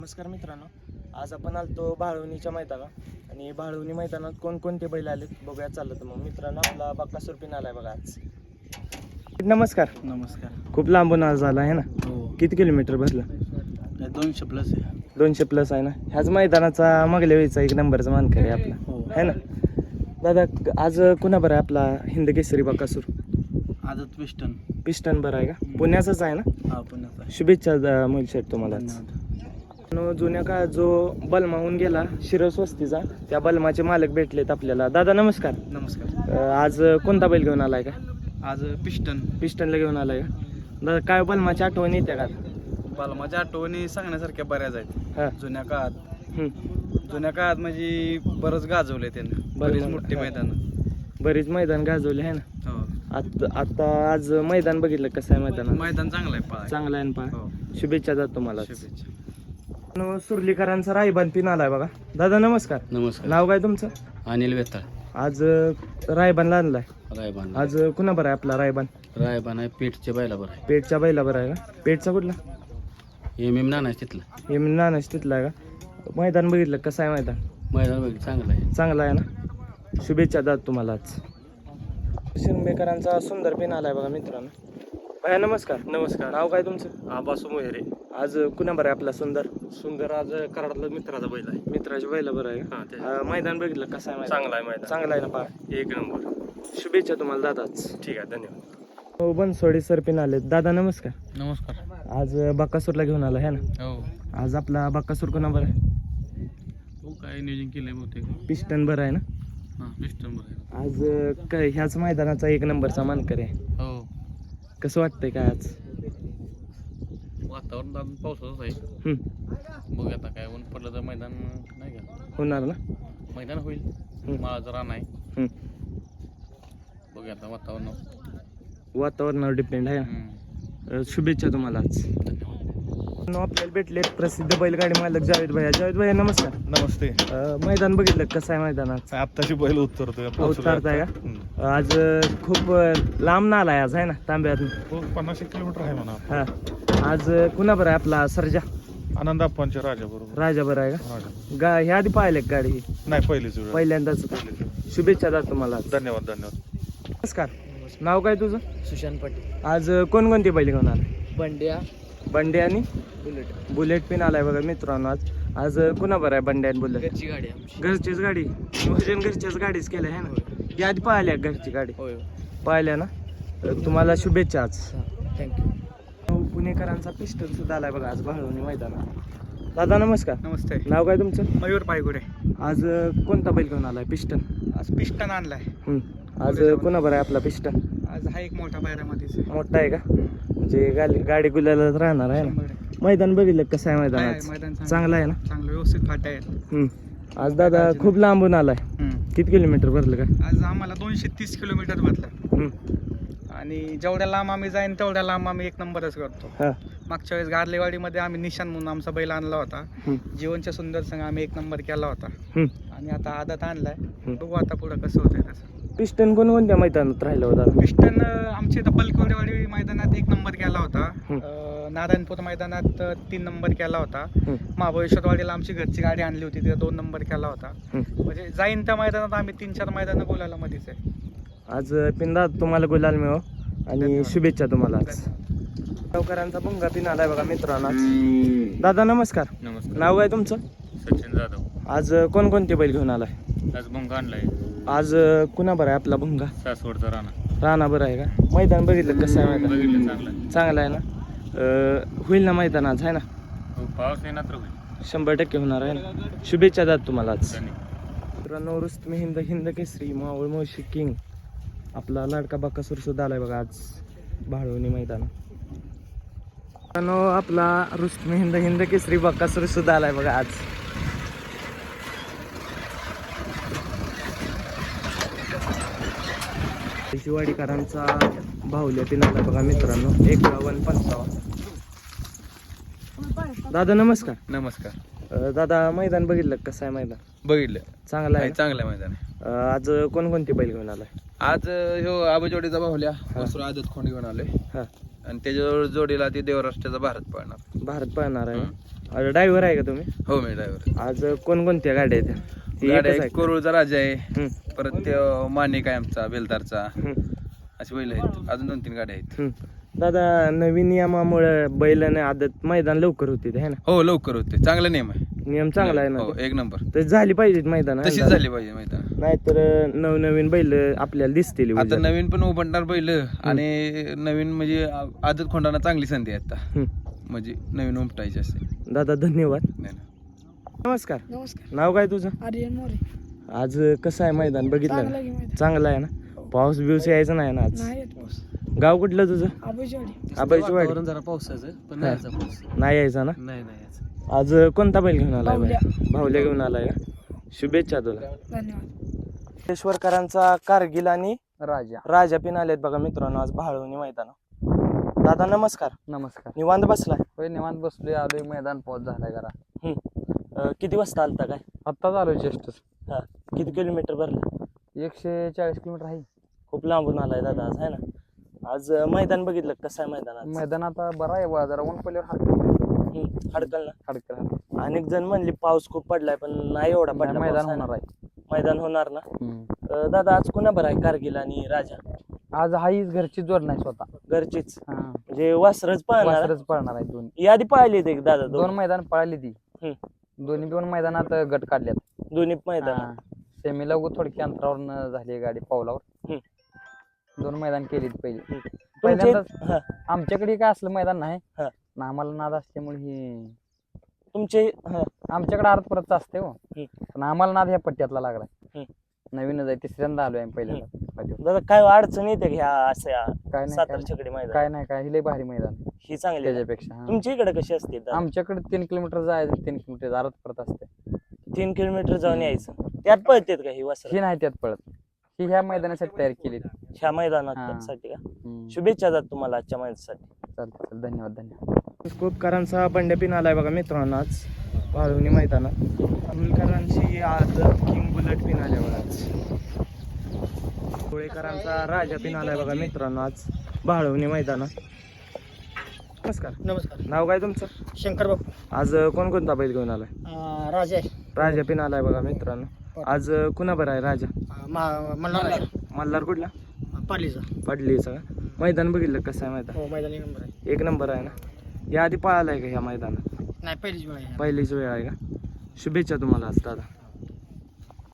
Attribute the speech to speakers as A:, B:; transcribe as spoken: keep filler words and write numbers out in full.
A: नमस्कार मित्रांनो, आज आपण आलतो भाळवणीच्या मैदानात आणि भाळवणी मैदानात कोणकोणते बैल आलेत बघूया. चाललं तर मग मित्रांनो, आपला बक्कासूर पिन आलाय बघा आज. नमस्कार.
B: नमस्कार.
A: खूप लांबून आज आला आहे ना?
B: हो,
A: किती किलोमीटर भरलं?
B: दोनशे प्लस आहे.
A: दोनशे प्लस आहे ना? ह्याच मैदानाचा मागल्या वेळीचा एक नंबरचा मानकरी आहे आपला,
B: हो
A: है ना दादा? आज कुणा बरं आहे आपला हिंद केसरी बक्कासूर?
B: आदत पिस्टन.
A: पिस्टन बरं आहे का? पुण्याचाच आहे ना?
B: हा, पुण्याचा.
A: शुभेच्छा मोहिल शेठ तुम्हाला.
B: धन्यवाद.
A: जुन्या काळात जो बलमा होऊन गेला शिरस्वस्तीचा, त्या बलमाचे मालक भेटलेत आपल्याला. दादा नमस्कार.
B: नमस्कार.
A: अं, आज कोणता बैल घेऊन आलाय का?
B: आज पिस्टन.
A: पिस्टनला घेऊन आलाय का दादा? काय बलमाची आठवण येते का?
B: बाल माझ्या आठवणी सांगण्यासारख्या बऱ्याच आहेत.
A: हा.
B: जुन्या काळात
A: हम्म.
B: जुन्या काळात म्हणजे बरंच गाजवले त्यानं. बरीच मोठी मैदान.
A: बरीच मैदान गाजवले आहे ना?
B: हो.
A: आता आता आज मैदान बघितलं कसं आहे मैदान?
B: मैदान चांगलं आहे. पळायला.
A: चांगला आहे ना? पहा,
B: हो.
A: शुभेच्छा जात तुम्हाला.
B: शुभेच्छा.
A: न, सुर्लीकरांचा रायबान पिन आलाय बघा. दादा नमस्कार.
B: नमस्कार.
A: नाव काय तुमचं?
B: अनिल वेताळ.
A: आज अं, रायबानला आणलाय.
B: रायबान.
A: आज कुणा बरं आहे आपला रायबान?
B: रायबान आहे. पेठच्या बैला बरं आहे.
A: पेठच्या बैला बरं आहे का? पेठचा कुठला?
B: एम एम नाना तिथलं.
A: हे नानाच तिथला आहे का? मैदान बघितलं कसं आहे मैदान?
B: मैदान बघ चांगलं आहे.
A: चांगला आहे ना? शुभेच्छा दाद तुम्हाला. आज शिरंबेकरांचा सुंदर पेन आलाय बघा मित्रांनो. भैया नमस्कार.
C: नमस्कार.
A: नाव काय तुमचं?
C: आबासू मोहेरे.
A: आज कुणा बरं आहे आपला सुंदर?
C: सुंदर आज कराडातला मित्राचा बैल आहे.
A: मित्राच्या बैला बरं आहे
C: हा, ते
A: का? अं, मैदान बघितलं कसं आहे मैदान?
C: चांगला आहे मैदान.
A: चांगला आहे ना? पहा,
C: एक नंबर.
A: शुभेच्छा तुम्हाला दादाच.
C: ठीक आहे, धन्यवाद.
A: हो, बनसोडे सर पिन आले. दादा नमस्कार.
B: नमस्कार.
A: आज बक्कासूरला घेऊन आला है ना?
B: हो.
A: आज आपला बक्कासूर कोणा बरं आहे?
B: हो, काय नियोजन केलंय बहुतेक.
A: पिस्टन बरं आहे ना?
B: हा, पिस्टन बरं आहे.
A: आज अं, काय ह्याच मैदानाचा एक नंबरचा मानकरी आहे.
B: हो.
A: कसं वाटतंय काय आज?
B: वातावरण अजून पावसाचंच आहे.
A: हम्म.
B: बघ आता काय ऊन पडलं तर मैदान नाही का,
A: होणार ना?
B: मैदान होईल.
A: हम्म.
B: माझं रान आहे.
A: हम्म.
B: बघ आता वातावरण.
A: वातावरणावर डिपेंड आहे.
B: हम्म.
A: अं, शुभेच्छा तुम्हाला आज.
B: धन्यवाद.
A: आपल्याला भेटले प्रसिद्ध बैलगाडी मालक जावेद भैया. जावेद भैया नमस्कार.
C: नमस्ते.
A: अं, मैदान बघितलं कसं आहे मैदानात?
C: आत्ताची बैल उतरतोय.
A: उतरताय का? आज अं, खूप अं, लांब नाला आहे आज, आहे ना? तांब्यात.
C: पन्नास एक किलोमीटर आहे म्हणा.
A: हा. आज अं, कुणा बरं आहे आपला सर्जा?
C: आनंद आप्पांच्या राजा बरोबर.
A: राजा बरं आहे का?
C: राजा
A: गा ह्या आधी पाहिले का गाडी?
C: नाही, पहिलीच वेळ.
A: पहिल्यांदाच. शुभेच्छा दादा तुम्हाला आज.
C: धन्यवाद धन्यवाद.
A: नमस्कार. नाव काय तुझं?
B: सुशांत पाटील.
A: आज अं, कोणकोणती बैल घेऊन आलाय?
B: बंड्या.
A: बंडे आणि
B: बुलेट.
A: बुलेट पिन आलाय बघा मित्रांनो. आज आज अं, कुणा बरं आहे बंडे आणि बुलेट?
B: घरची गाडी आमची.
A: घरचीच गाडी. नियोजन घरच्याच गाडीच केलं आहे ना? या आधी पाहिल्या घरची गाडी?
B: होय.
A: पाहिल्या ना? तर तुम्हाला शुभेच्छा आज.
B: थँक्यू.
A: पुणेकरांचा पिस्टल सुद्धा आलाय बघा आज भाळवणी मैदानात. दादा नमस्कार.
B: नमस्ते.
A: नाव काय तुमचं?
B: मयूर पायगुडे.
A: आज अं, कोणता बैल घेऊन आलाय? पिस्टन.
B: आज पिस्टन आणलाय.
A: हम्म. आज अं, कुणा बरं आहे आपला पिस्टन?
B: आज हा एक मोठा पायऱ्यामध्येच.
A: मोठा आहे का? म्हणजे गाडी गाडी गुलालाच राहणार आहे ना? मैदान बघितलं कसं आहे मैदानात?
B: मैदान
A: चांगलं आहे ना?
B: चांगलं व्यवस्थित फाटा आहेत.
A: हम्म. आज दादा खूप लांबून आलाय. किती किलोमीटर भरलं का?
B: आज आम्हाला दोनशे तीस किलोमीटर भरलं.
A: हम्म.
B: आणि जेवढ्या लांब आम्ही जाईन तेवढ्या लांब आम्ही एक नंबरच करतो.
A: हा.
B: मागच्या वेळेस गारलेवाडीमध्ये आम्ही निशान म्हणून आमचा बैल आणला होता.
A: हम्म.
B: जीवनच्या सुंदर संघ आम्ही एक नंबर केला होता.
A: हम्म.
B: आणि आता आदत आणलाय.
A: हम्म.
B: बघू आता पुढं कसं होतंय तसं.
A: पिस्टन कोणकोणत्या मैदानात राहिलं होतं?
B: पिस्टन अं, आमच्या इथं बलकवडेवाडी मैदानात एक नंबर केला होता.
A: हम्म.
B: अं, नारायणपूर मैदानात अं, तीन नंबर केला होता.
A: हम्म.
B: महाबळेश्वरवाडीला आमची घरची गाडी आणली होती, तिथं दोन नंबर केला होता.
A: हम्म.
B: म्हणजे जाईन त्या मैदानात आम्ही तीन चार मैदानं गोलाला मध्येच आहे.
A: आज पिंदा तुम्हाला गुलाल मिळो आणि
B: धन्यवाद.
A: शुभेच्छा तुम्हाला आज. गावकरांचा भुंगा पिन आलाय बघा मित्रांनो आज. दादा नमस्कार.
B: नमस्कार.
A: नाव काय तुमचं?
B: सचिन जाधव.
A: आज कोणकोणते बैल घेऊन आलाय?
B: आज भुंगा आणलाय.
A: आज कुणा बरं आहे आपला भुंगा?
B: सासवडचा राणा.
A: राणा बरं आहे का? मैदान बघितलं कसं आहे मैदान?
B: बघितलं चांगलं.
A: चांगलं आहे ना? अं, होईल ना मैदान आज, आहे ना?
B: हो, पाऊस येणार तर होईल.
A: शंभर टक्के होणार आहे ना? शुभेच्छा दाद तुम्हाला आज.
B: धन्यवाद.
A: मित्रांनो, रुस्तमी हिंद हिंद केसरी मावळ मोशी किंग आपला लाडका बक्कासूर सुद्धा आलाय बघा आज भाळवणी मैदान. मित्रांनो, आपला रुस्तमी हिंद हिंद केसरी बक्कासूर सुद्धा आलाय बघा आज. शिवाडीकरांचा भाऊल्या पिन आलाय बघा मित्रांनो. एकावन्न पंचावन्न. दादा नमस्कार.
B: नमस्कार.
A: अं, दादा मैदान बघितलं कसं आहे मैदान?
B: बघितलं.
A: चांगलं आहे.
B: चांगलं मैदान आहे.
A: अं, आज कोणकोणते बैल घेऊन आलाय?
B: आज ह्यो आबजोडीचा बाहुल्या वासरू आदत खोंड घेऊन आलोय.
A: हा.
B: आणि त्याच्या जोडीला ती देवराष्ट्राचा भारत पळणार.
A: भारत पळणार आहे. ड्रायव्हर आहे का तुम्ही?
B: हो मी ड्रायव्हर.
A: आज कोणकोणत्या गाड्या आहेत त्या? ती एकच
B: गाड्या
A: आहे
B: आहे,
A: का?
B: कोरुळचा राजा आहे,
A: हम्म,
B: परत ते मानिक आहे आमचा बेलदारचा,
A: हम्म,
B: अशी बैल आहेत. अजून दोन तीन गाड्या आहेत.
A: हम्म. दादा नवीन नियमामुळे बैलाने आदत मैदान लवकर होते है ना?
B: हो लवकर होते. चांगला नियम आहे.
A: नियम चांगला आहे ना
B: हो
A: ते?
B: एक नंबर.
A: तर झाली पाहिजेत मैदान है ना
B: तशीच
A: दादा?
B: झाली पाहिजे माहिती आहे.
A: नाहीतर नवनवीन बैल आपल्याला दिसतील
B: आता
A: उद्या.
B: नवीन पण उभटणार बैल आणि नवीन म्हणजे आदत खोंडाना चांगली संधी आहे आता.
A: हम्म.
B: म्हणजे नवीन उमटायची असते.
A: दादा धन्यवाद.
B: नाही ना.
A: नमस्कार.
D: नमस्कार.
A: नाव काय तुझं?
D: आर्यन मोरे.
A: आज कसं आहे मैदान बघितलं
D: चांगला
A: ना?
D: की माहिती
A: चांगलं आहे ना? पाऊस बिवस यायचं नाही ना आज?
D: नाही येत पाऊस.
A: गाव कुठलं तुझं?
D: आबूजवाडी.
A: आबाईची वाडी.
E: जरा पावसाचं पण नाही यायचा पाऊस.
A: नाही यायचा ना?
E: नाही नाही यायचा.
A: आज कोणता बैल घेऊन आलाय
D: भावल्या.
A: बाई? भावल्या घेऊन आलाय का? शुभेच्छा तुला.
D: धन्यवाद.
A: ईश्वरकरांचा कारगिल आणि
E: राजा.
A: राजा पिन आलेत बघा मित्रांनो आज भाळवणी मैदान. दादा नमस्कार.
E: नमस्कार.
A: निवांत बसलाय?
E: होय निवांत बसलोय, आलोय, मैदान पाऊस झालाय जरा.
A: हम्म. अं, किती वाजता आलता काय?
E: आत्ताच आलोय जस्टच.
A: हा किती किलोमीटर भरलं?
E: एकशे चाळीस किलोमीटर आहे.
A: खूप लांबून आलाय दादा आज आहे ना? आज अं, मैदान बघितलं कसं आहे मैदान आज?
E: मैदान आता बरं आहे बा, जरा ऊन पडल्यावर हडकल
A: हम्म, हडकल ना?
E: हडकल
A: अनेक जण म्हणले पाऊस खूप पडलाय पण नाही एवढा पडला
E: मैदान
A: पाऊस, आहे ना?
E: होणार आहे.
A: मैदान होणार ना?
E: हम्म.
A: अं, दादा आज कुणा बरं आहे कारगिल आणि राजा?
E: आज हाईच घरची जोड नाही स्वतः.
A: घरचीच
E: हा.
A: म्हणजे वासरच पाहणार?
E: वासरच पळणार आहे दोन.
A: यादी पाहिली ते दादा
E: दोन
A: दोन
E: मैदान पळाली ती.
A: हम्म.
E: दोन्ही दोन मैदानात गट काढल्यात.
A: दोन्ही मैदान.
E: हा. सेमीला उगाच थोडक्या अंतरावर झाली गाडी पावलावर. दोन मैदान केली पहिली.
A: तुमचे
E: पहिल्यांदाच
A: हा,
E: आमच्याकडे काय असलं मैदान नाही
A: हा.
E: ना, आम्हाला नाद असल्यामुळे हे
A: तुमचे हा,
E: आमच्याकडे अर्ध परत असते हो.
A: हम्म.
E: पण आम्हाला नाद ह्या पट्ट्यातला लागलाय.
A: हम्म.
E: नवीनच आहे, तिसऱ्यांदा आलोय आम्ही पहिल्यांदा.
A: दादा काय अडचण येते का ह्या अशा
E: काय नाही
A: सातार
E: काय
A: छकडी मैदान?
E: काय नाही काय, हिले भारी मैदान
A: ही चांगली आहे.
E: त्याच्यापेक्षा. हा.
A: तुमच्या इकडे कशी असते दादा?
E: आमच्याकडे तीन किलोमीटर जायचं, तीन किलोमीटर अर्ध परत असते.
A: तीन किलोमीटर जाऊन यायचं त्यात पळतेत का ही वासर?
E: ही नाही त्यात पळत. ही ह्या मैदानासाठी तयार केली.
A: ह्या मैदानात
E: हा.
A: साठी का?
E: हम्म.
A: शुभेच्छा दादा तुम्हाला आजच्या मैदानासाठी.
E: चालतं चालतं. धन्यवाद धन्यवाद.
A: कोपकरांचा बंड्या पिन आलाय बघा मित्रांनो आज वाळवणी मैदानात. अमोलकरांची आज किंग बुलेट पिन आल्या बघा आज. कोळेकरांचा राजा पिन आलाय बघा मित्रांनो आज भाळवणी मैदानात. नमस्कार.
D: नमस्कार.
A: नाव काय तुमचं?
D: शंकर बापू.
A: आज कोणकोणता बैल घेऊन आलाय?
D: अं, राजा आहे.
A: राजा पिन आलाय बघा मित्रांनो. आज कुणा बरं आहे राजा?
D: अं, मा- मल्हार आहे.
A: मल्हार कुठला?
D: पालीचा.
A: पडलीचा का? मैदान बघितलं कसं आहे मैदान?
D: हो मैदानी नंबर आहे.
A: एक नंबर आहे ना? या आधी पळालाय का ह्या मैदानात?
D: नाही पहिलीच वेळ आहे.
A: पहिलीच वेळ आहे का? शुभेच्छा तुम्हाला आज दादा.